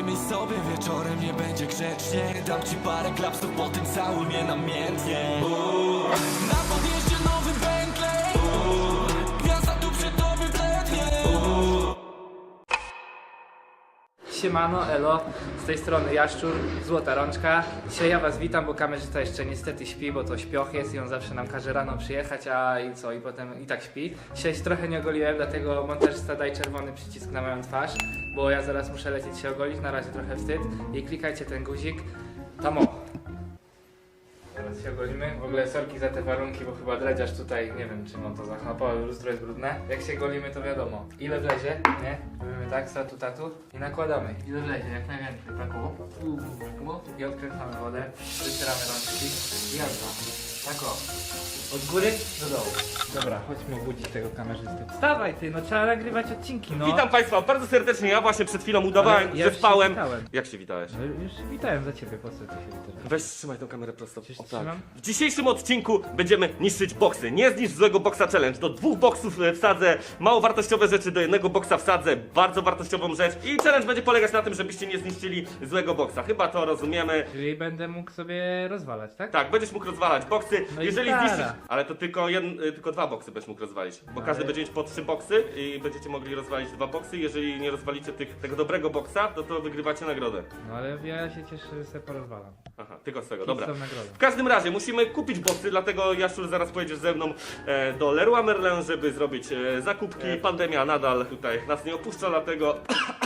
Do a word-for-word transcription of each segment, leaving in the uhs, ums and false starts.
Pogadajmy sobie wieczorem, nie będzie grzecznie. Dam ci parę klapsów, potem całuj mnie namiętnie. Uuu. Na podjeździe nowy Bentley. Uuu. Gwiazda tu przy tobie blednie. Uuu. Siemano, elo, z tej strony Jaszczur, Złota Rączka. Dzisiaj ja was witam, bo kamerzysta jeszcze niestety śpi, bo to śpioch jest i on zawsze nam każe rano przyjechać, a i co, i potem i tak śpi. Dzisiaj się trochę nie ogoliłem, dlatego montażysta daj czerwony przycisk na moją twarz, bo ja zaraz muszę lecieć się ogolić, na razie trochę wstyd. I klikajcie ten guzik, tam o. Teraz się ogolimy. W ogóle sorki za te warunki, bo chyba dredziarz tutaj, nie wiem czym on to zachlapał, lustro jest brudne. Jak się golimy, to wiadomo. Ile wlezie, nie? Robimy tak, statu, tatu i nakładamy. Ile wlezie, jak najwięcej, tak o. I odkręcamy wodę, wycieramy rączki i jazda. Tak o. Od góry do dołu. Dobra, chodźmy obudzić tego kamerzysty. Wstawaj ty, no trzeba nagrywać odcinki, no. Witam Państwa bardzo serdecznie, ja właśnie przed chwilą udawałem, Ale ja że już spałem. się witałem. Jak się witałeś? No już witałem za ciebie, po co ty się witałeś? Weź trzymaj tą kamerę prosto. Coś O, tak. trzymam? W dzisiejszym odcinku będziemy niszczyć boksy. Nie zniszcz złego boksa challenge. Do dwóch boksów wsadzę mało wartościowe rzeczy, do jednego boksa wsadzę bardzo wartościową rzecz. I challenge będzie polegać na tym, żebyście nie zniszczyli złego boksa. Chyba to rozumiemy. Czyli będę mógł sobie rozwalać, tak? Tak, będziesz mógł rozwalać boksy. No i Jeżeli stara. zniszczysz. Ale to tylko, jeden, y, tylko dwa boksy będziesz mógł rozwalić. Bo Ale- każdy będzie mieć po trzy boksy i będziecie mogli rozwalić dwa boksy. Jeżeli nie rozwalicie tych, tego dobrego boksa, to to wygrywacie nagrodę. No ale ja się cieszę, że sobie porozwalam. Aha, tylko z tego, Dobra. dobra. Nagrodę. W każdym razie musimy kupić boksy, dlatego Jaszczur zaraz pojedziesz ze mną e, do Leroy Merlin, żeby zrobić e, zakupki. Pandemia nadal tutaj nas nie opuszcza, dlatego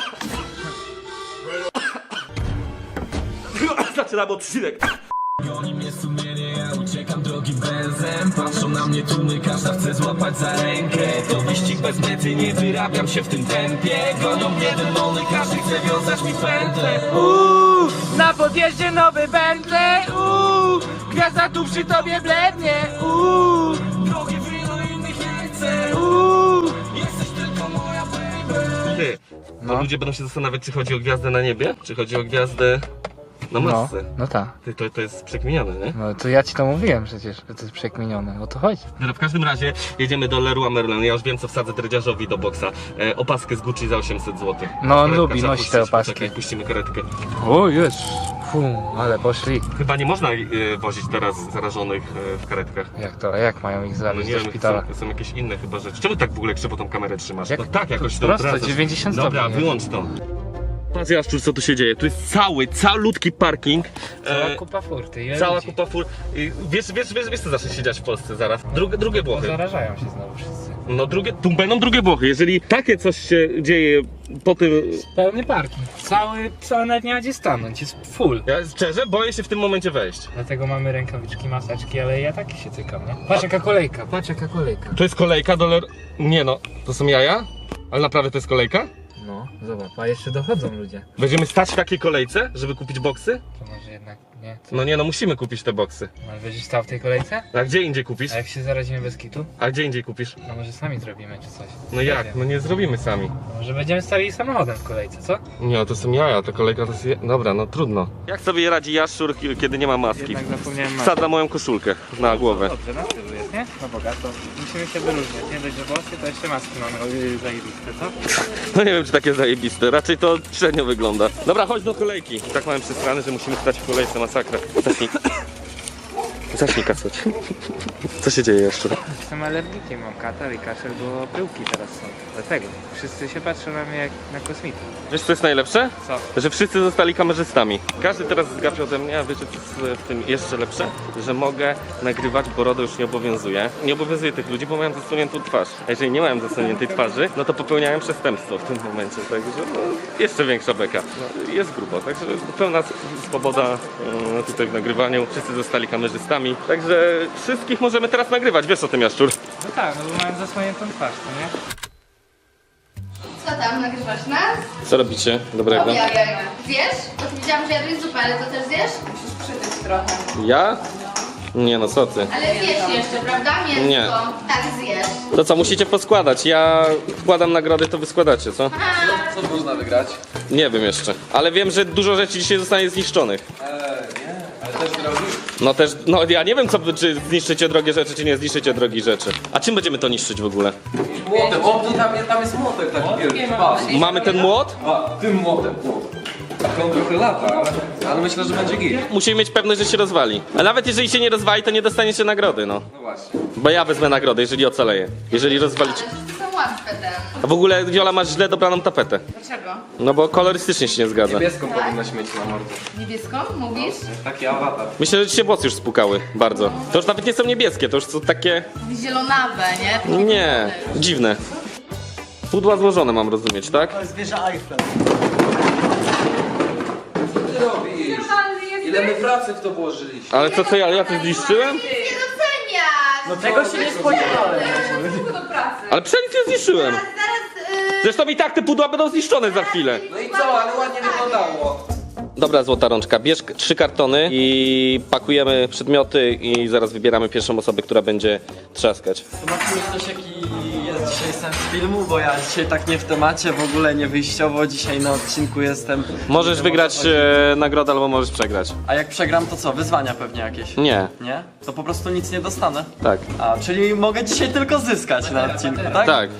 zaczynamy odcinek. Goni mnie sumienie, ja uciekam drogim węzłem. Patrzą na mnie tłumy, każda chce złapać za rękę. To wyścig bez mety, nie wyrabiam się w tym tempie. Gonią mnie demony, każdy chce wiązać mi pętlę. Uuu, na podjeździe nowy Bentley. Uuu, gwiazda tu przy tobie blednie. Uuu, Drogie wino innych nie chcę. uuu. Jesteś tylko moja baby. Ty, bo No. ludzie będą się zastanawiać, czy chodzi o gwiazdę na niebie, czy chodzi o gwiazdę na No, masce. no tak. Ty, to, to jest przekminione, nie? No to ja ci to mówiłem przecież, że to jest przekminione. O to chodzi. Dobra, w każdym razie jedziemy do Leroy Merlin. Ja już wiem, co wsadzę dredziarzowi do boksa. E, opaskę z Gucci za osiemset złotych. No, on Karetka lubi trzeba nosić te puścić. opaski. Poczekaj, puścimy karetkę. O jest. Fu, ale poszli. Chyba nie można e, wozić teraz zarażonych e, w karetkach. Jak to, jak mają ich No zawieźć nie do wiem, szpitala? są, są jakieś inne chyba rzeczy. Czemu tak w ogóle krzywo tą kamerę trzymasz? Jak? No tak, jakoś to Prosto, odwracasz. dziewięćdziesiąt Dobra, stopni. wyłącz to. Patrz Jaszczur, co tu się dzieje. Tu jest cały, calutki parking. Cała E, kupa furty. Ile Cała ludzi? kupa fur. I Wiesz, wiesz, wiesz, wiesz co zacznie się dziać w Polsce zaraz? Drugie, drugie Bo Włochy. zarażają się znowu wszyscy. No drugie, tu będą drugie Włochy. Jeżeli takie coś się dzieje po tym... Pełny parking. Cały, cały nawet nie ma gdzie stanąć, jest full. Ja szczerze boję się w tym momencie wejść. Dlatego mamy rękawiczki, maseczki, ale ja takie się cykam, nie? Patrz jaka kolejka, patrz jaka kolejka. To jest kolejka do Ler... Nie no, to są jaja? Ale naprawdę to jest kolejka? No, zobacz, a jeszcze dochodzą ludzie. Będziemy stać w takiej kolejce, żeby kupić boksy? To może jednak nie. No nie no, musimy kupić te boksy. Ale będziesz stał w tej kolejce? A gdzie indziej kupisz? A jak się zarazimy bez kitu? A gdzie indziej kupisz? No może sami zrobimy czy coś. No Nie jak? wiem. No nie zrobimy sami. Może będziemy stali samochodem w kolejce, co? Nie, to są jaja, to kolejka to jest... je- Dobra, no trudno. Jak sobie radzi Jaszczur, kiedy nie ma maski? Jednak zapomniałem maski. Wsadza moją koszulkę na głowę. Dobrze, na tylu jest, nie? No bogato. Musimy się wyróżniać, nie dość, że włosy, to jeszcze maski mamy o, zajebiste, co? No nie wiem, czy takie zajebiste, raczej to średnio wygląda. Dobra, chodź do kolejki. I tak mamy przestrany, że musimy stać w kolejce, masakra. Zacznij. Zacznij kasać. Co się dzieje jeszcze? Jestem alergikiem, mam katar i kaszel, bo pyłki teraz są. Dlatego. Wszyscy się patrzą na mnie jak na kosmita. Wiesz co jest najlepsze? Co? Że wszyscy zostali kamerzystami. Każdy teraz zgapia ode mnie, a wiecie co jest w tym jeszcze lepsze? Że mogę nagrywać, bo RODO już nie obowiązuje. Nie obowiązuje tych ludzi, bo mają zasłoniętą twarz. A jeżeli nie mają zasłoniętej twarzy, no to popełniają przestępstwo w tym momencie. Także no, jeszcze większa beka. No, jest grubo, także pełna s- swoboda e, tutaj w nagrywaniu. Wszyscy zostali kamerzystami. Także wszystkich możemy teraz nagrywać. Wiesz o tym, Jaszczur? No tak, no bo mają zasłoniętą twarz, to nie? Co tam, nagrywasz nas? Co robicie dobrego? Objawia. Zjesz? Bo ty widziałam, że jadłeś zupę, ale to też zjesz? Musisz przytyć trochę. Ja? Nie no, co ty? Ale zjesz jeszcze, prawda? Mięsko. Nie. Tak, zjesz. To co, musicie poskładać. Ja wkładam nagrody, to wy składacie, co? Co można wygrać? Nie wiem jeszcze. Ale wiem, że dużo rzeczy dzisiaj zostanie zniszczonych. Eee, nie, ale też drogi. No też, no ja nie wiem, co, czy zniszczycie drogie rzeczy, czy nie zniszczycie drogich rzeczy. A czym będziemy to niszczyć w ogóle? Młotem, o, tu tam, jest- tam jest młotek taki wielki, patrz. Mamy ten młot? A, tym młotem, młot. Tak, on trochę lata, ale, ale myślę, że będzie git. Musimy mieć pewność, że się rozwali. A nawet jeżeli się nie rozwali, to nie dostaniecie nagrody, no. No właśnie. Bo ja wezmę nagrodę, jeżeli ocaleję. Jeżeli rozwalicie... Ale to są łatwe ten. A w ogóle, Wiola, masz źle dobraną tapetę. Dlaczego? No bo kolorystycznie się nie zgadza. Niebieską powinnaś mieć na mordzie. Niebieską mówisz? Taki awatar. Myślę, że ci się włosy już spukały bardzo. To już nawet nie są niebieskie, to już są takie... Zielonawe, nie? Takie Nie, zielone. dziwne. Pudła złożone mam rozumieć, tak? Zwierzę Eiffel. Co ty robisz? Ile my pracy w to włożyliśmy? Ale co, co ja, ja to zniszczyłem? Nie doceniasz! No tego się nie spodziewałem. Do pracy. Ale przecież nie zniszczyłem. Zaraz, zaraz, yy... Zresztą i tak te pudła będą zniszczone za chwilę. No i co, ale ładnie wyglądało. Dobra, złota rączka, bierz k- trzy kartony i pakujemy przedmioty i zaraz wybieramy pierwszą osobę, która będzie trzaskać. Zobaczymy ktoś jaki jest dzisiaj sens filmu, bo ja dzisiaj tak nie w temacie, w ogóle nie wyjściowo, dzisiaj na odcinku jestem. Możesz Nie wiem, wygrać o co chodzi. e, nagrodę albo możesz przegrać. A jak przegram to co, wyzwania pewnie jakieś? Nie, Nie? To po prostu nic nie dostanę. tak, A, czyli mogę dzisiaj tylko zyskać na odcinku, tak? tak.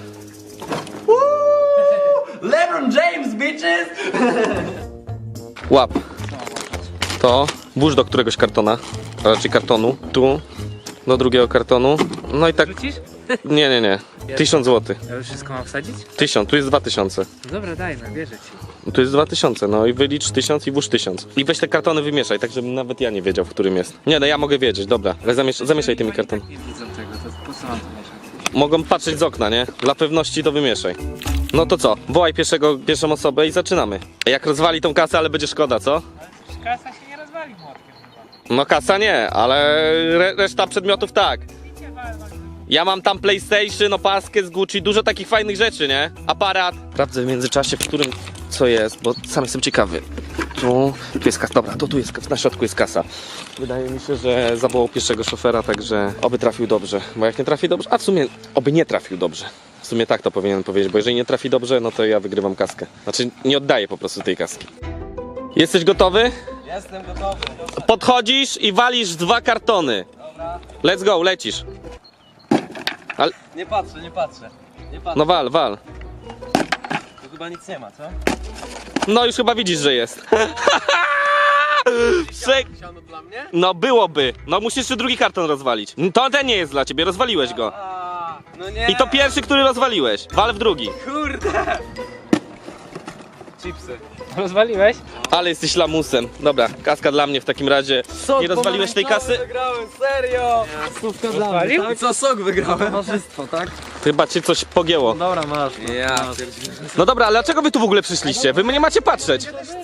LeBron James, bitches! Łap. To włóż do któregoś kartona, a raczej kartonu. Tu, do drugiego kartonu. No i tak. Rzucisz? Nie, nie, nie. Tysiąc złotych. Ja już wszystko mam wsadzić? Tysiąc, tu jest dwa tysiące. No dobra, dajmy, wierzę ci. Tu jest dwa tysiące, no i wylicz tysiąc i włóż tysiąc. I weź te kartony wymieszaj, tak żebym nawet ja nie wiedział, w którym jest. Nie, no ja mogę wiedzieć, dobra. Ale zamiesz zamieszaj tymi kartonami. Nie widzą tego, to po co mam to mieszać? Mogą patrzeć z okna, nie? Dla pewności to wymieszaj. No to co? Wołaj pierwszego, pierwszą osobę i zaczynamy. Jak rozwali tą kasę, ale będzie szkoda, co? Kasa się nie rozwali młotkiem chyba. No kasa nie, ale re reszta przedmiotów tak. Ja mam tam PlayStation, opaskę z Gucci, dużo takich fajnych rzeczy, nie? Aparat. Sprawdzę w międzyczasie, w którym co jest, bo sam jestem ciekawy. Tu, tu jest kasa, dobra, to tu jest, na środku jest kasa. Wydaje mi się, że zawołał pierwszego szofera, także oby trafił dobrze. Bo jak nie trafi dobrze, a w sumie oby nie trafił dobrze. W sumie tak to powinienem powiedzieć, bo jeżeli nie trafi dobrze, no to ja wygrywam kaskę. Znaczy nie oddaję po prostu tej kaski. Jesteś gotowy? Jestem gotowy. Podchodzisz i walisz dwa kartony. Let's go, lecisz. Ale, Nie patrzę, nie patrzę. Nie patrzę. no wal, wal. Tu chyba nic nie ma, co? No już chyba widzisz, że jest. Prze- Siano dla mnie? no byłoby. No musisz jeszcze drugi karton rozwalić. To ten nie jest dla ciebie, rozwaliłeś go. A, no nie. I to pierwszy, który rozwaliłeś. Wal w drugi. Kurde! Chipsy. Rozwaliłeś? Ale jesteś lamusem. Dobra, kaska dla mnie w takim razie. Nie rozwaliłeś tej kasy? Wygrałem, serio! Stówka dla mnie, Rozwalił? tak? Co, sok wygrałem? Towarzystwo, tak? Chyba cię coś pogięło. Dobra, masz. Ja No dobra, ale dlaczego wy tu w ogóle przyszliście? Wy mnie nie macie patrzeć.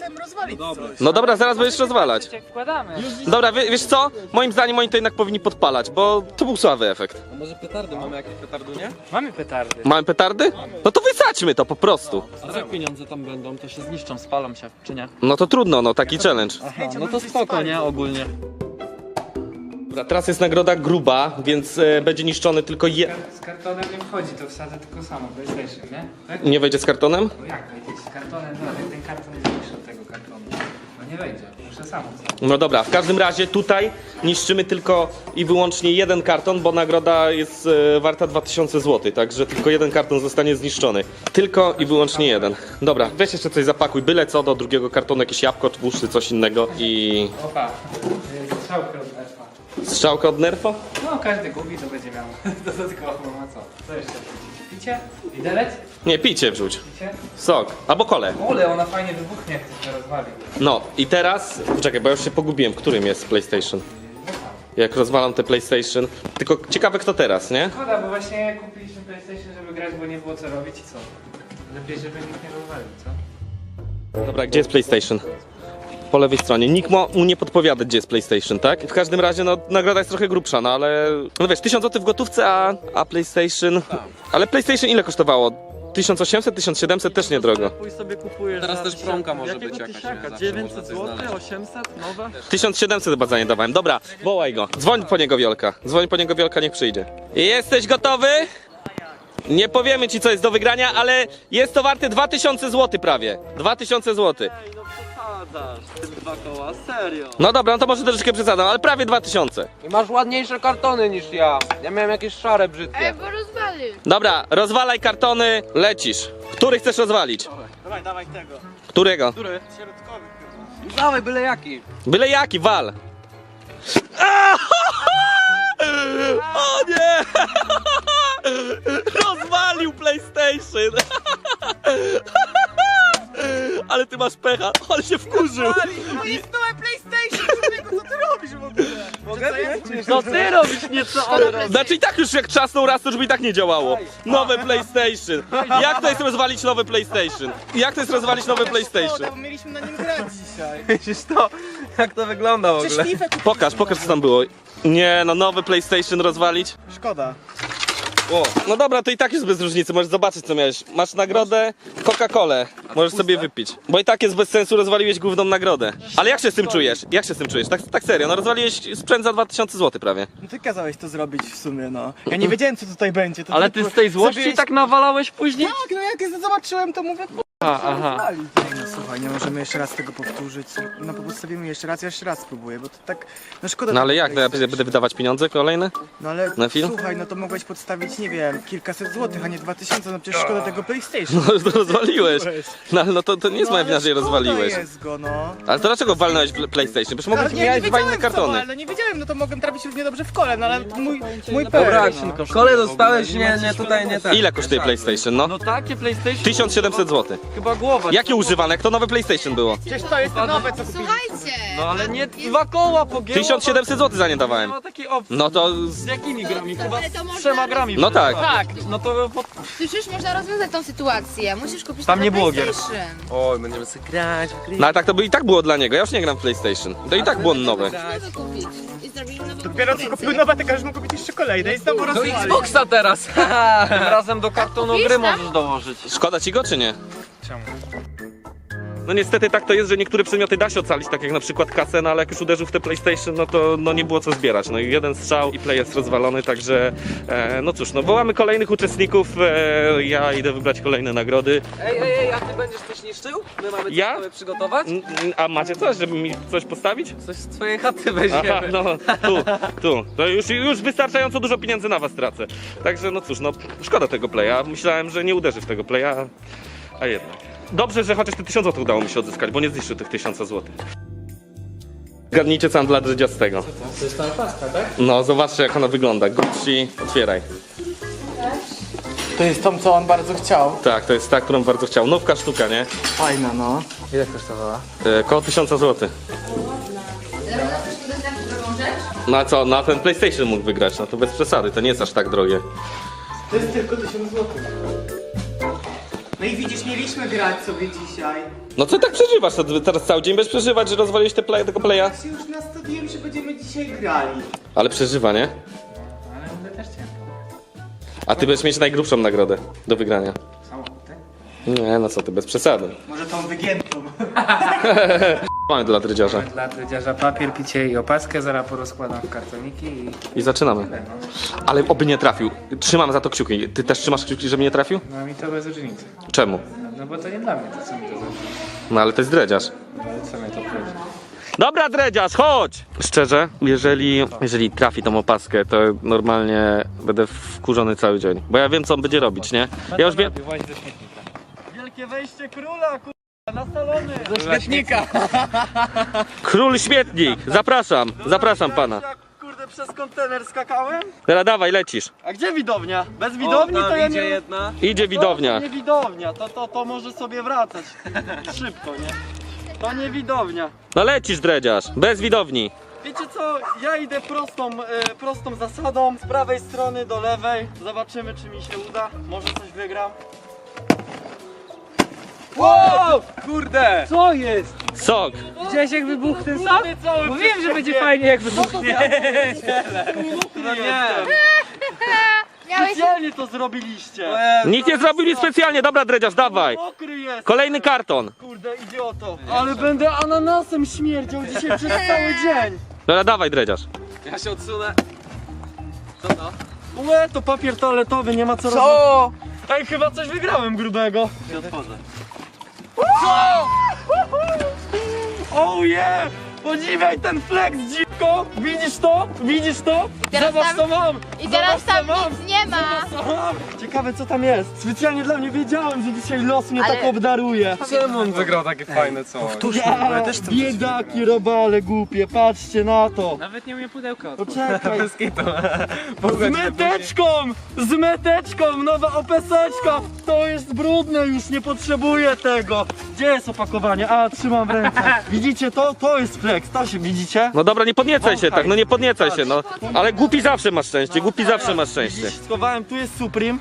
No dobra, zaraz będziesz rozwalać. Jak wkładamy. Dobra, wie, wiesz co? Moim zdaniem oni to jednak powinni podpalać, bo to był słaby efekt. A może petardy? Mamy jakieś petardu, nie? Mamy petardy. Mamy petardy? No to wysadźmy to po prostu. A jak pieniądze tam będą, to się zniszczą, spalą się, czy nie? No to trudno, no taki challenge. Aha, no to spoko, nie? Ogólnie. Dobra, teraz jest nagroda gruba, więc e, będzie niszczony tylko je... Z kartonem nie wchodzi, to wsadzę tylko samo, PlayStation, nie? Tak? Nie wejdzie z kartonem? No jak wejdzie? Z kartonem, no jak ten karton jest większy od tego kartonu. No nie wejdzie, muszę samo wsadzić. No dobra, w każdym razie tutaj niszczymy tylko i wyłącznie jeden karton, bo nagroda jest e, warta dwa tysiące złotych, także tylko jeden karton zostanie zniszczony. Tylko i wyłącznie jeden. Dobra, weź jeszcze coś zapakuj, byle co do drugiego kartonu, jakieś jabłko, tłuszcz czy coś innego i... Opa, yy, strzałkę od elfa. Strzałka od nerfa? No każdy gubi, to będzie miał dodatkowo, a co? Co jeszcze? Picie? Widelec? Nie, picie wrzuć. Picie? Sok, albo kole. Ole, ona fajnie wybuchnie, jak ktoś mnie rozwali. No i teraz, czekaj, bo ja już się pogubiłem, którym jest PlayStation. Jak rozwalam te PlayStation. Tylko ciekawe kto teraz, nie? Szkoda, bo właśnie kupiliśmy PlayStation, żeby grać, bo nie było co robić i co? Lepiej, żeby nikt nie rozwalił, co? Dobra, gdzie jest PlayStation? Po lewej stronie. Nikt mu mu nie podpowiada, gdzie jest PlayStation, tak? W każdym razie, no, nagroda jest trochę grubsza, no ale... No wiesz, tysiąc złotych w gotówce, a, a PlayStation... Ale PlayStation ile kosztowało? tysiąc osiemset, tysiąc siedemset też niedrogo. Pój sobie kupujesz. Teraz za też tysiąc- promka może Jakiego być jakaś, tysiaka? nie? Zawsze dziewięćset można coś złotych, znaleźć. osiemset, nowe? tysiąc siedemset chyba za nie dawałem. Dobra, wołaj go. Dzwoń po niego, Wiolka. Dzwoń po niego, Wiolka, niech przyjdzie. Jesteś gotowy? Nie powiemy ci, co jest do wygrania, ale jest to warte dwa tysiące złotych prawie. dwa tysiące złotych. Ej, no przesadzasz. Te dwa koła, serio. No dobra, no to może troszeczkę przesadzam, ale prawie dwa tysiące. I masz ładniejsze kartony niż ja. Ja miałem jakieś szare Ej, brzydkie. bo rozwalił. Dobra, rozwalaj kartony, lecisz. Który chcesz rozwalić? Dawaj, dawaj tego. Którego? Który? Środkowy. Dawaj, byle jaki. Byle jaki, wal! A! O nie! Rozwalił PlayStation! Ale ty masz pecha, ale się wkurzył! To jest nowe PlayStation, człowieku, co ty robisz w ogóle? Mogę wiedzieć? Co ty robisz, nie co on robi? Znaczy i tak już jak trzasnął raz, to już by i tak nie działało. Nowe PlayStation. Jak to jest rozwalić nowe PlayStation? Jak to jest rozwalić nowe PlayStation? Bo mieliśmy na nim grać dzisiaj. Widzisz to? Jak to wygląda w ogóle? Szlifę kupiliśmy. Pokaż, pokaż co tam było. Nie, no nowy PlayStation rozwalić? Szkoda. O, no dobra, to i tak jest bez różnicy, możesz zobaczyć co miałeś. Masz nagrodę Coca-Colę, możesz sobie wypić. Bo i tak jest bez sensu, rozwaliłeś główną nagrodę. Ale jak się z tym czujesz? Jak się z tym czujesz? Tak, tak serio, no rozwaliłeś sprzęt za dwa tysiące złotych prawie. No ty kazałeś to zrobić w sumie, no. Ja nie wiedziałem co tutaj będzie. To Ale ty tylko z tej złości zrobiłeś- tak nawalałeś później? Tak, no jak zobaczyłem to mówię, A, aha. no słuchaj, nie możemy jeszcze raz tego powtórzyć. No po postawimy jeszcze raz, ja jeszcze raz spróbuję, bo to tak, no szkoda. No ale tego jak, no ja PlayStation. będę wydawać pieniądze kolejne? No ale na film? słuchaj, no to mogłeś podstawić, nie wiem, kilkaset złotych, a nie dwa tysiące, no przecież szkoda tego PlayStation. No to rozwaliłeś. No, ale no to, to nie jest No, moja ale wina, że je szkoda rozwaliłeś. jest go, no. Ale to dlaczego walnąłeś w PlayStation? Przecież mogłeś Ale nie, nie miałeś dwa wiedziałem inne co, kartony. ale nie wiedziałem, no to mogłem trafić równie dobrze w kole, no ale mój, mój Dobra, pełen, no. kole dostałeś, nie, nie, tutaj nie tak. Ile kosztuje PlayStation, no? No takie PlayStation? tysiąc siedemset złotych. Chyba głowa. Jakie używane? Jak to nowe PlayStation było? Przecież to jest te nowe, co kupiliśmy. Słuchajcie! No ale nie dwa koła pogięło. tysiąc siedemset złotych za nie Nie dawałem. ma takiej opcji. No to... Z jakimi grami? Chyba Ale to z można trzema grami. No tak. Tak. No to po... Przecież można rozwiązać tą sytuację. Musisz kupić Tam nowe nie było gier. PlayStation. Oj, będziemy sobie grać. No ale tak to by i tak było dla niego, ja już nie gram w PlayStation. To i tak było nowe. Nowe kupić. I zrobili nową Dopiero co kupił konkurencję. nowe, to każesz mu kupić jeszcze kolejne i znowu Do rozwalić. Xboxa teraz. Tym razem do kartonu Kupisz gry tam? możesz dołożyć. Szkoda ci go czy nie? No niestety tak to jest, że niektóre przedmioty da się ocalić, tak jak na przykład kasę, no ale jak już uderzył w te PlayStation, no to no nie było co zbierać. No i jeden strzał i play jest rozwalony, także e, no cóż, no wołamy kolejnych uczestników, e, ja idę wybrać kolejne nagrody. Ej, ej, ej, a ty będziesz coś niszczył? My mamy coś Ja? sobie przygotować? N- n- A macie coś, żeby mi coś postawić? Coś z twojej chaty Aha, weźmiemy. no tu, tu. To już, już wystarczająco dużo pieniędzy na was tracę. Także no cóż, no szkoda tego playa. Myślałem, że nie uderzy w tego playa, a jednak. Dobrze, że chociaż te tysiąc złotych udało mi się odzyskać, bo nie zniszczył tych tysiąca złotych. Zgadnijcie co mam dla Dredziastego. To jest ta paska, tak? No, zobaczcie jak ona wygląda. Gucci, otwieraj. To jest tą, co on bardzo chciał. Tak, to jest ta, którą bardzo chciał. Nówka sztuka, nie? Fajna, no. Ile kosztowała? E, koło tysiąca złotych. Zarówno też udostępnić drugą rzecz. No a co, na ten PlayStation mógł wygrać, no to bez przesady, to nie jest aż tak drogie. To jest tylko tysiąc złotych. No i widzisz, mieliśmy grać sobie dzisiaj. No co tak przeżywasz? To teraz cały dzień będziesz przeżywać, że rozwaliłeś te play, tego playa? Ja się już nastawiłem, że będziemy dzisiaj grali. Ale przeżywa, nie? Ale będę też chciał. A ty będziesz mieć najgrubszą nagrodę do wygrania. Samochód, Nie, no co ty, bez przesady. Może tą wygiętą. Mamy dla drydziarza. Dla dredziarza papier, picie i opaskę, zaraz porozkładam w kartoniki i... I zaczynamy. No, Ale oby nie trafił. Trzymam za to kciuki. Ty też trzymasz kciuki, żeby nie trafił? no mi to bez różnicy. Czemu? No bo to nie dla mnie, to co mi to zrobi? No ale to jest dredziarz. No ale co mnie to obchodzi? Dobra, dredziarz, chodź! Szczerze, jeżeli, jeżeli trafi tą opaskę, to normalnie będę wkurzony cały dzień. Bo ja wiem, co on będzie robić, nie? Ja już wiem... Właź do śmietnika. Wielkie wejście króla, kurwa, na salony. Do śmietnika! Król śmietnik! Zapraszam, zapraszam pana. Jak, kurde, przez kontener skakałem? Teraz dawaj, lecisz. A gdzie widownia? Bez widowni to ja nie... jedna. Idzie widownia. To nie widownia, to, to, to może sobie wracać. Szybko, nie? To nie widownia. No lecisz, dredziarz, bez widowni. Wiecie co, ja idę prostą, e, prostą zasadą, z prawej strony do lewej. Zobaczymy, czy mi się uda. Może coś wygram. Wow! Kurde! Co jest? Sok. Widziałeś jak wybuchł ten sam? Mówiłem, że będzie fajnie jak wybuchnie. No nie! Miałeś... Specjalnie to zrobiliście! Nikt nie zrobił nic specjalnie, dobra, dredziarz, dawaj. Mokry jest! Kolejny karton. Kurde, idioto! Ale będę ananasem śmierdział dzisiaj przez cały dzień! Dobra, dawaj, dredziarz. Ja się odsunę. Co to? Łe, to papier toaletowy, nie ma co robić. Co? Ej, chyba coś wygrałem grubego. Się otworzę. Co? Oh yeah! Podziwiaj ten flex, dzi... szybko! Widzisz to? Widzisz to? Teraz Zobacz tam- co mam! I teraz Zobacz, tam co mam! nic nie ma. Co mam? Ciekawe co tam jest. Specjalnie dla mnie wiedziałem, że dzisiaj los mnie Ale- tak obdaruje. Czemu on wygrał takie fajne coś? Ja, biedaki robale głupie, patrzcie na to. Nawet nie umie pudełka Poczekaj. Z meteczką! Z meteczką! Nowa opeseczka! To jest brudne już, nie potrzebuję tego. Gdzie jest opakowanie? A, trzymam w ręce. Widzicie to? To jest flex, to się widzicie? No dobra, nie podniecaj się tak, no nie podniecaj się, no. Ale głupi zawsze masz szczęście, głupi zawsze masz szczęście. Widzisz, schowałem, tu jest Supreme.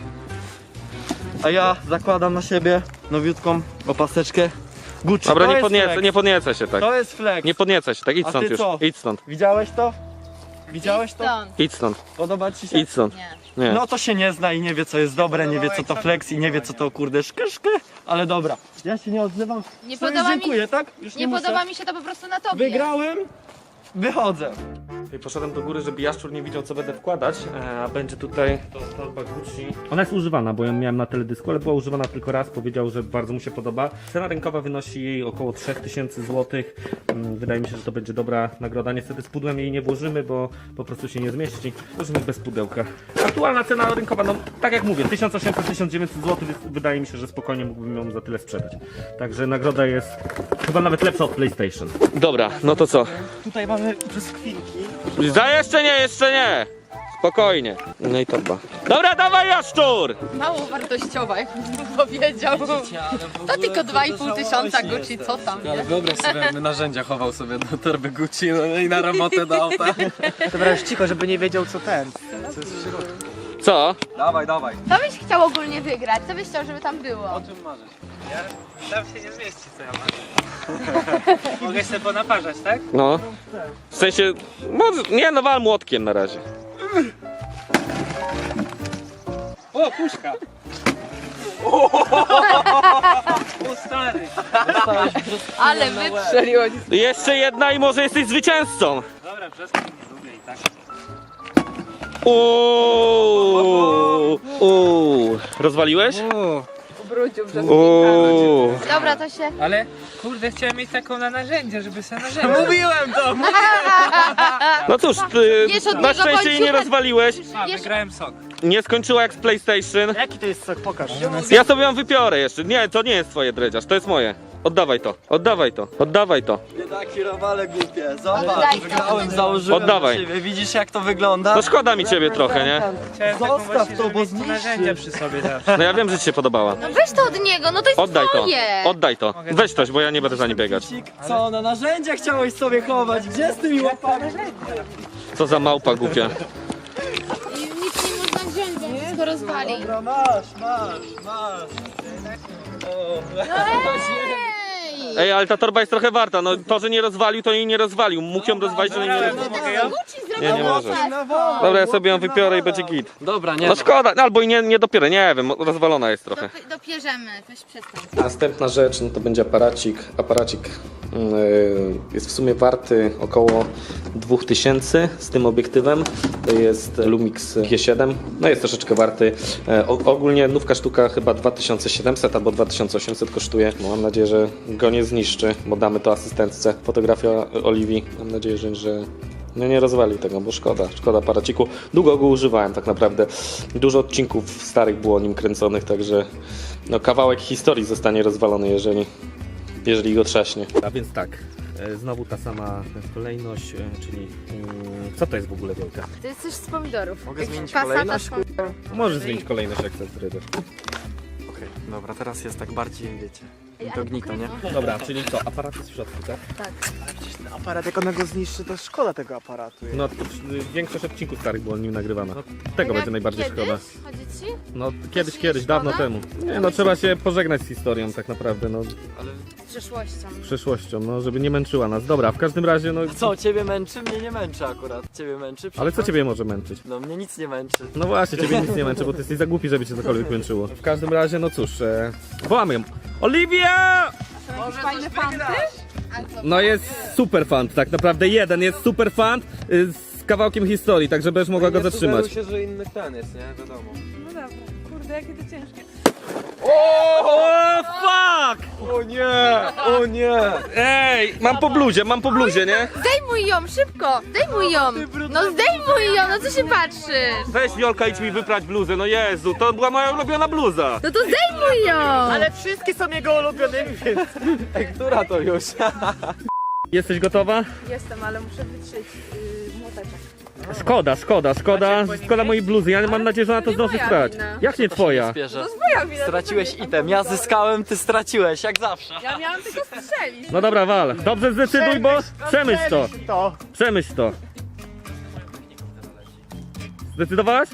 A ja zakładam na siebie nowiutką opaseczkę Gucci. Dobra, To nie jest podniecaj, flex. nie podniecaj się tak. To jest flex. Nie podniecaj się tak, idź A stąd ty już, co? idź stąd, Widziałeś to? Widziałeś to? Stąd. idź stąd, Podoba ci się? idź stąd. Nie. Nie. No to się nie zna i nie wie co jest dobre, nie wie co to flex i nie wie co to kurde szkyszky, ale dobra. Ja się nie odzywam. Nie Sobie podoba mi- dziękuję, tak? Już nie, Nie muszę. podoba mi się to po prostu na tobie. Wygrałem, wychodzę. I poszedłem do góry, żeby Jaszczur nie widział co będę wkładać, e, a będzie tutaj to torba Gucci. Ona jest używana, bo ją miałem na teledysku, ale była używana tylko raz, powiedział, że bardzo mu się podoba. Cena rynkowa wynosi jej około trzy tysiące złotych. Mm, Wydaje mi się, że to będzie dobra nagroda. Niestety z pudłem jej nie włożymy, bo po prostu się nie zmieści. Włożymy bez pudełka. Aktualna cena rynkowa, no tak jak mówię, tysiąc osiemset do tysiąc dziewięćset złotych, więc wydaje mi się, że spokojnie mógłbym ją za tyle sprzedać. Także nagroda jest chyba nawet lepsza od PlayStation. Dobra, no to co? Tutaj mamy brzoskwinki. Za jeszcze nie, jeszcze nie! Spokojnie. No i torba. Dobra, dawaj Jaszczur! Mało wartościowa, jak powiedział. To tylko dwa i pół tysiąca Gucci, co tam, Ale nie? wyobraź sobie, jakby narzędzia chował sobie do torby Gucci no i na robotę do auta. Dobra, już cicho, żeby nie wiedział co ten. Co jest w środku. Co? Dawaj, dawaj. Co byś chciał ogólnie wygrać? Co byś chciał, żeby tam było? O czym marzysz? Tam się nie zmieści, co ja mam. Mogę się ponaparzać, tak? No. W sensie, może, nie no, wal młotkiem na razie. O, puszka! O, stary! Ale wyprzeliło. Jeszcze jedna i może jesteś zwycięzcą. Dobra, brzoskwin nie lubię i tak. Uuu, uuu. Rozwaliłeś? Ubrudził przez Uuu. Dobra, to się... Ale kurde, chciałem mieć taką na narzędzie, żeby sobie narzędzie. Mówiłem to! No cóż, ty Wiesz, od na niego szczęście jej nie bądź- rozwaliłeś. A, wygrałem sok. Nie skończyła jak z PlayStation. Jaki to jest sok? Pokaż. Ja sobie ją wypiorę jeszcze. Nie, to nie jest twoje dredziarz, to jest moje. Oddawaj to, oddawaj to, oddawaj to. Biedaki robale głupie, zobacz, Oddaj to. wygrałem, założyłem Oddawaj. na siebie. Widzisz jak to wygląda? No szkoda mi ciebie trochę, nie? Chciałem taką Zostaw właśnie, to, żeby bo mieć tu zniszczy. narzędzia przy sobie zawsze. No ja wiem, że ci się podobała. No weź to od niego, no to jest Oddaj to, twoje. oddaj to. Weź coś, bo ja nie będę za nie biegać. Co, na narzędzia chciałeś sobie chować? Gdzie z tymi łapami? Co za małpa głupia. I nic nie można wziąć, bo wszystko rozwali. Dobra, masz, masz, masz. O. Ej! Ej, ale ta torba jest trochę warta. No to, że nie rozwalił, to jej nie rozwalił. Mógł ją rozwalić, ale nie Dobra, rozwalił. mogę ją? Gucci zrobił Nie, nie możesz. łopatę. Dobra, ja sobie ją wypiorę i będzie git. Dobra, nie. No szkoda, albo i nie, nie dopiero, nie wiem, rozwalona jest trochę. Dop- Dopierzemy, weź przestań. Następna rzecz, no to będzie aparacik. Aparacik yy, jest w sumie warty około dwa tysiące z tym obiektywem. To jest Lumix G siedem. No jest troszeczkę warty. E, o, ogólnie nówka sztuka chyba dwa tysiące siedemset albo dwa tysiące osiemset kosztuje. No, mam nadzieję, że go nie zniszczy, bo damy to asystentce. Fotografia Oliwii. Mam nadzieję, że, że no nie rozwalił tego, bo szkoda, szkoda aparaciku. Długo go używałem tak naprawdę. Dużo odcinków starych było nim kręconych, także no, kawałek historii zostanie rozwalony, jeżeli, jeżeli go trzaśnie. A więc tak, e, znowu ta sama kolejność, e, czyli mm, co to jest w ogóle wielka? To jest coś z pomidorów. Mogę Jakiś zmienić pasata kolejność? z pomidorów. Możesz zmienić kolejność, jak chcesz, Ryder. Okej, dobra, teraz jest tak bardziej, wiecie, Ej, ale incognito, nie? pokaż, Dobra, czyli co, aparat jest w środku, tak? Przecież ten aparat, jak ona go zniszczy, to szkoda tego aparatu. No, to, y, większość odcinków starych było nim nagrywana. No, tego Jak będzie najbardziej kiedyś? szkoda. Chodzi ci? No, kiedyś, nie kiedyś, szkoda? dawno temu. Nie, no trzeba się pożegnać z historią tak naprawdę, no, Z przeszłością. z przeszłością, no, żeby nie męczyła nas. Dobra, w każdym razie, no... Co, ciebie męczy? Mnie nie męczy akurat. Ciebie męczy? Ale co ciebie może męczyć? No mnie nic nie męczy. No właśnie, ciebie nic nie męczy, bo ty jesteś za głupi, żeby cię cokolwiek męczyło. W każdym razie, no cóż, e, wołamy ją. Oliwia! Fajne fanty? No jest super fan, tak naprawdę jeden jest super fan y, z kawałkiem historii, tak żebyś mogła go zatrzymać. się, że inny ten jest, nie? Wiadomo. No dobra, kurde, jakie to ciężkie. O, fuck! O nie, o nie. Ej, mam po bluzie, mam po bluzie, nie? Zdejmuj ją, szybko! Zdejmuj ją! No zdejmuj ją, no co się patrzysz? Weź Wiolka, idź mi wyprać bluzę, no Jezu, to była moja ulubiona bluza. No to zdejmuj ją! Ale wszystkie są jego ulubionymi, więc... Ej, która to już? Jesteś gotowa? Jestem, ale muszę wytrzeć yy, młoteczek. Szkoda, szkoda, szkoda, szkoda mojej bluzy, ja mam nadzieję, że ona to zdąży moja sprać. wina. Jak nie twoja? Bierze. Moja wina, Straciłeś item, ja zyskałem, ty straciłeś, jak zawsze. Ja miałam tylko strzelić. No dobra, wal. Dobrze zdecyduj, bo przemyśl to. To. Przemyśl to. Zdecydowałaś?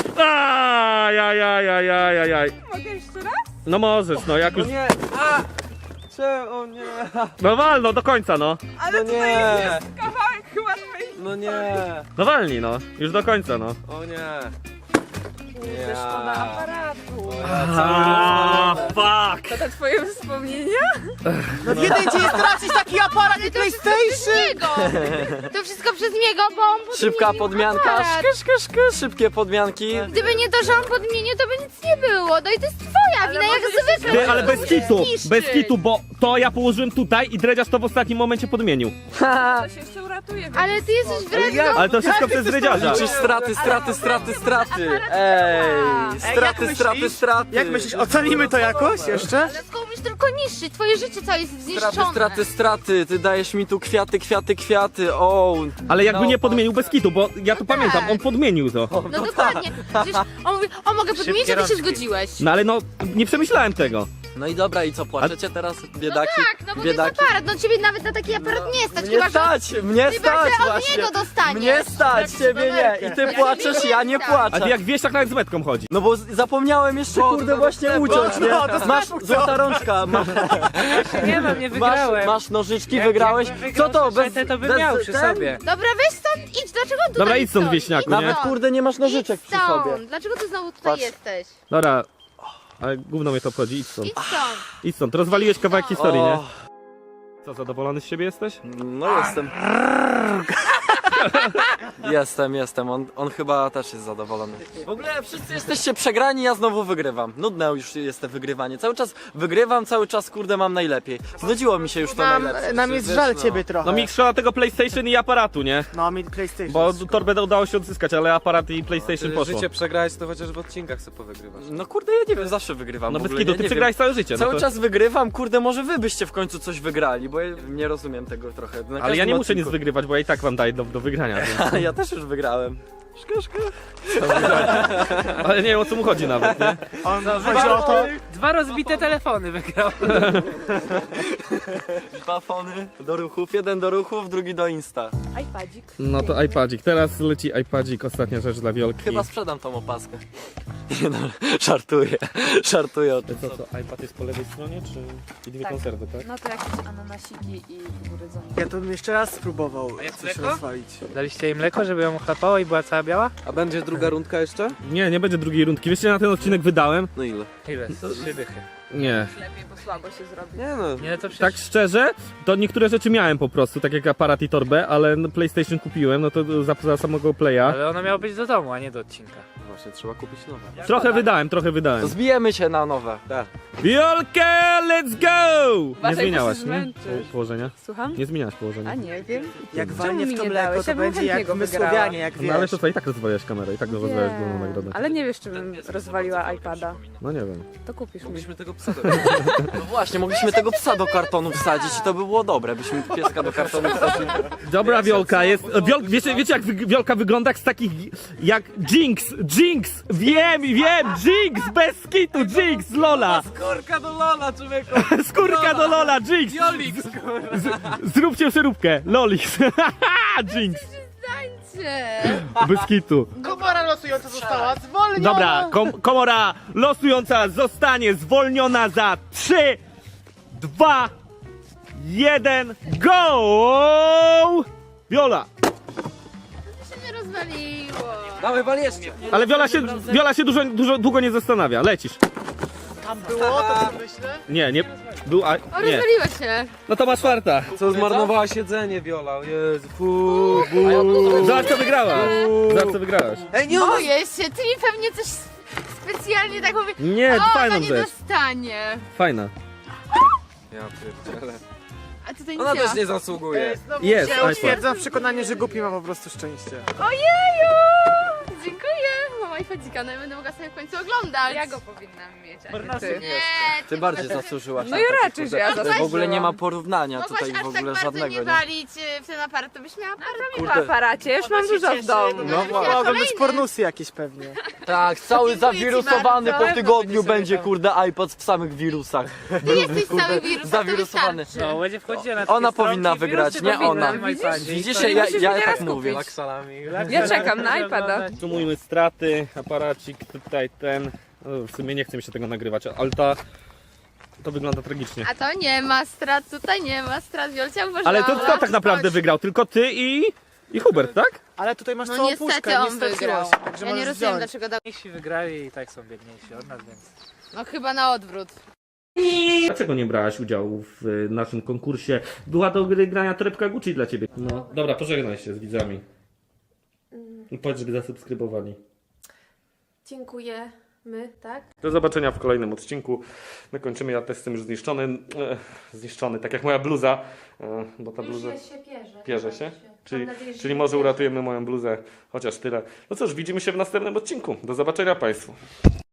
Ajajajajajajaj. Mogę jeszcze raz? No możesz, no jak No już... nie, a! Cze, o nie, No wal, no do końca, no. no nie, Kawałek chyba twojej. no nie, No walnij, no. Już do końca, no. o nie. Szkoda aparatu. A, fuck! To te twoje wspomnienia? No w jednej dzień stracić taki aparat i To wszystko PlayStation! przez niego! To wszystko przez niego, bo on podmienił Szybka podmianka, aparat. szky, szky, szky, szybkie podmianki. Gdyby nie to, że on podmienił, to by nic nie było. No i to jest twoja wina, jak zwykle. Ty, ale bez Musisz kitu, zniszczyć. bez kitu, bo to ja położyłem tutaj i dredziarz to w ostatnim momencie podmienił. Ale ty jesteś wredną. Ale to wszystko przez dredziarza. Liczysz straty, straty, straty, straty. Ej, straty, jak straty, myślisz? straty. Jak myślisz, ocenimy to jakoś jeszcze? Ale tylko umiesz tylko niszczyć. Twoje życie całe jest Straty, zniszczone. straty, straty. Ty dajesz mi tu kwiaty, kwiaty, kwiaty. O. Ale jakby No, nie podmienił bez kitu, bo ja to pamiętam, on podmienił to. No dokładnie. Przecież on mówi, o mogę podmienić, a ty się zgodziłeś. No ale no, nie przemyślałem tego. No i dobra, i co, płaczecie teraz, No biedaki? tak, no bo to jest biedaki? aparat. No ciebie nawet na taki aparat nie stać. Mnie Chyba, że stać, mnie chyba, stać że od właśnie. niego dostaniesz. Mnie stać, ciebie nie. I ty płaczesz, ja nie A płaczę. ty jak wiesz, tak nawet z metką chodzi. No bo z- zapomniałem jeszcze kurde właśnie uciąć, nie? no, to Masz złota rączka, masz, Nie mam, nie masz, wygrałem. masz nożyczki, Jak- wygrałeś. jakbym Co wygrał to? Bez, saszetę, to bym bez miał przy ten? sobie. Dobra, weź stąd, idź. Dlaczego tutaj Dobra, idź stąd, stoisz? wieśniaku, Idź nie? Nawet stąd. kurde nie masz Idź nożyczek przy sobie. stąd. Dlaczego ty znowu tutaj Patrz. jesteś? Dobra, ale gówno mnie to obchodzi, idź stąd. Idź stąd. Idź stąd, rozwaliłeś kawałek historii, nie? O, Co, zadowolony z siebie jesteś? no jestem. Jestem, jestem. On, on chyba też jest zadowolony. W ogóle wszyscy jesteście przegrani, ja znowu wygrywam. Nudne już jest te wygrywanie. Cały czas wygrywam, cały czas kurde mam najlepiej. Znudziło mi się już to Nam, najlepsze. nam jest Wiesz, żal no. ciebie trochę. No mi szkoda tego PlayStation i aparatu, nie? No, mi PlayStation. Bo torbę udało się odzyskać, ale aparat i PlayStation poszło. Życie przegrałeś, to chociaż w odcinkach sobie powygrywasz. No kurde, ja nie wiem, zawsze wygrywam. No w bez ogóle, kitu, ja ty nie przegrałeś wiem. całe życie. No Cały to... czas wygrywam, kurde, może wy byście w końcu coś wygrali, bo ja nie rozumiem tego trochę. Na Ale ja każdym nie muszę nic odcinku- wygrywać, bo ja i tak wam daję do, do wygrania. Więc... Ja też już wygrałem. Szka, szka. Ale nie wiem o co mu chodzi nawet, nie? On chodzi o to... Dwa rozbite telefony wygrał. Dwa fony do ruchów, jeden do ruchów, drugi do Insta. iPadzik. No to iPadzik, teraz leci iPadzik, ostatnia rzecz dla Wiolki. Chyba sprzedam tą opaskę. Nie no, żartuję, żartuję o tym. Co, co, iPad jest po lewej stronie, czy i dwie Tak. konserwy, tak? No to jakieś ananasiki i kukurydza. Ja to bym jeszcze raz spróbował jak coś mleko? rozwalić. Daliście jej mleko, żeby ją chlapało i była cała biała? A będzie druga rundka jeszcze? Nie, nie będzie drugiej rundki. Wiesz, ile na ten odcinek wydałem? No ile? Ile? Trzy dychy. Nie. Lepiej, bo słabo się zrobi. Nie no. Nie, to przecież... Tak szczerze, to niektóre rzeczy miałem po prostu, tak jak aparat i torbę, ale no PlayStation kupiłem, no to za, za samego playa. Ale ona miała być do domu, a nie do odcinka. Właśnie, trzeba kupić nowe. Trochę wydałem, trochę To wydałem. zbijemy się na nowe. Tak. Wiolkę, let's go! Nie Uważaj, bo zmieniałaś, się nie? zmęczysz. Po- Położenia? Słucham? Nie zmieniałaś położenia. A nie wiem. Jak Czemu walnie mi w to nie mleko, dałeś? to Ja bym będzie jak chętnie my go wygrała. Słowianie, jak No ale wiesz. to co, i tak rozwalałeś kamerę, i tak rozwalałeś główną nagrodę. Ale nie wiesz, czy bym rozwaliła iPada. No nie wiem. To kupisz mi. Mogliśmy tego psa do... No właśnie, mogliśmy tego psa do kartonu wsadzić i to by było dobre, byśmy pieska do kartonu wsadzili. Dobra Wiolka, jest... Wiol, wiecie, wiecie jak wy- Wiolka wygląda jak z takich... jak Jinx, Jinx! Wiem, wiem, Jinx! Bez kitu, Jinx, Lola! Kurka do Lola, człowieku! Skórka do Lola, Jinx! Z, zróbcie przeróbkę, Lolix! Jinx! Tańcie. Bez kitu. Komora losująca została zwolniona! Dobra, kom komora losująca zostanie zwolniona za trzy, dwa, jeden, go! Wiola! się nie rozwaliło. Dawaj, wal jeszcze! Ale Wiola się, Wiola się dużo, dużo, długo nie zastanawia, lecisz. Tam było, to tak myślę. Nie, nie, był, a, O, nie. rozwaliło się. No to masz czwarta. Co, zmarnowałaś jedzenie, Viola? Jezu, fu, bu. Zobacz co wygrałaś. Zobacz co wygrałaś. Ej, nie Boję się, ty mi pewnie coś specjalnie tak mówię. Nie, O, fajną ona nie rzecz. dostanie. Fajna. Ja pierdzielę. A tutaj nic Ona nie ma. też nie zasługuje. Jest, Ja iPad. utwierdzam w przekonaniu, że głupi ma po prostu szczęście. Ojeju! Dziękuję. Mam iPadzika, no ja będę mogła sobie w końcu oglądać. Ja go powinnam mieć, a nie ty. Nie, Ty bardziej zasłużyłaś. No na i taki, raczej, kurde, że ja to w ogóle zasłużyłam. nie ma porównania mogłaś tutaj aż w ogóle tak bardzo żadnego, nie nie? walić y, w ten aparat, to byś miała W aparacie, już mam Ona się dużo w cieszy, domu. bo No będziesz właśnie. miała Mogą być kolejny. pornusy jakieś pewnie. Tak, cały Dziękuję ci zawirusowany bardzo. po tygodniu Będzie będzie sobie kurde iPod w samych wirusach. Ty jesteś cały wirus, zawirusowany. to wystarczy. No, będzie wchodziła na Ona takie powinna stronki, wygrać, wirusy nie powinna ona. w iPadzie. Widzisz, To ja, musisz ja mnie tak raz mówię. kupić. Ja czekam na iPada. Sumujmy straty, aparacik tutaj ten. No, w sumie nie chce mi się tego nagrywać, ale ta... To wygląda tragicznie. A to nie ma strat, tutaj nie ma strat, Wiolcia uważała. Ale to kto tak naprawdę wygrał? Tylko ty i... i Hubert, tak? Ale tutaj masz No całą niestety puszkę, nie on straciłaś, wygrał. także Ja nie możesz rozumiem wziąć. dlaczego dał. Mniejsi wygrali i tak są biedniejsi od nas, więc... No chyba na odwrót. Dlaczego nie brałaś udziału w y, naszym konkursie? Była do gry grania torebka Gucci dla ciebie. No, dobra, pożegnaj się z widzami. I powiedz, żeby zasubskrybowali. Dziękujemy, tak? Do zobaczenia w kolejnym odcinku. My kończymy, ja też jestem już zniszczony. E, zniszczony, tak jak moja bluza. E, bo ta bluza Już się pierze. pierze się. Czyli, Mam nadzieję, że czyli nie może pierze. uratujemy moją bluzę, chociaż tyle. No cóż, widzimy się w następnym odcinku. Do zobaczenia Państwu.